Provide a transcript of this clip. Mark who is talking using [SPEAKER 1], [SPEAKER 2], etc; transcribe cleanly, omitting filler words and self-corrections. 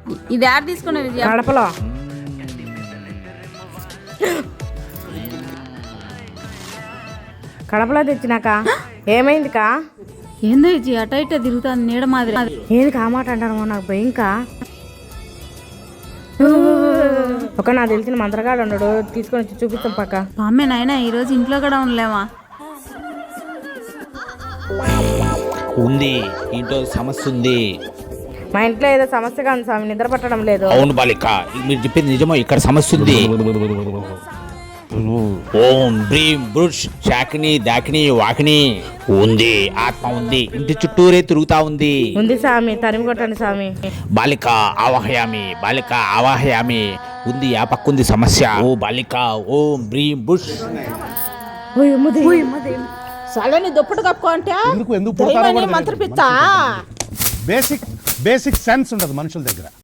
[SPEAKER 1] ఇది యాడ్ తీసుకునే విజయ
[SPEAKER 2] కడపలో కడపలో తెచ్చినాక ఏమైందికా?
[SPEAKER 1] ఏందో విజయ అట ఇట తిరుగుతుంది నీడ మాదిరి.
[SPEAKER 2] ఏది కామాట అంటారు నాకు భయంకా. ఒక నాకు తెలిసిన మంత్రగాడు ఉన్నాడు, తీసుకొని వచ్చి చూపిస్తాం పక్క.
[SPEAKER 1] అమ్మే నాయన ఈరోజు ఇంట్లో కూడా ఉండలేమా?
[SPEAKER 3] ఉంది, ఇంట్లో సమస్య ఉంది.
[SPEAKER 2] మా ఇంట్లో ఏదో సమస్యగా ఉంది స్వామి, నిద్ర పట్టడం లేదు.
[SPEAKER 3] అవును బాలిక, మీరు చెప్పింది నిజమో, ఇక్కడ సమస్య ఉంది. ఓం బ్రీం బృష్ శాకిని దాకిని వాకిని ఉంది, ఆత్మ ఉంది, ఇంటి చుట్టూరే తిరుగుతా ఉంది.
[SPEAKER 2] ఉంది స్వామి, తరిమి కొట్టండి స్వామి.
[SPEAKER 3] బాలిక ఆవాహయామి, బాలిక ఆవాహయామి. ఉంది, ఆ పక్కుంది సమస్య. ఓ బాలిక ఓం బ్రీం బృష్.
[SPEAKER 4] సడని దుప్పటి కప్పుకో అంటే
[SPEAKER 5] ఎందుకు పుడతారో కూడా
[SPEAKER 4] మంత్రపిచ్చా.
[SPEAKER 5] బేసిక్ సెన్స్ ఉండదు మనుషుల దగ్గర.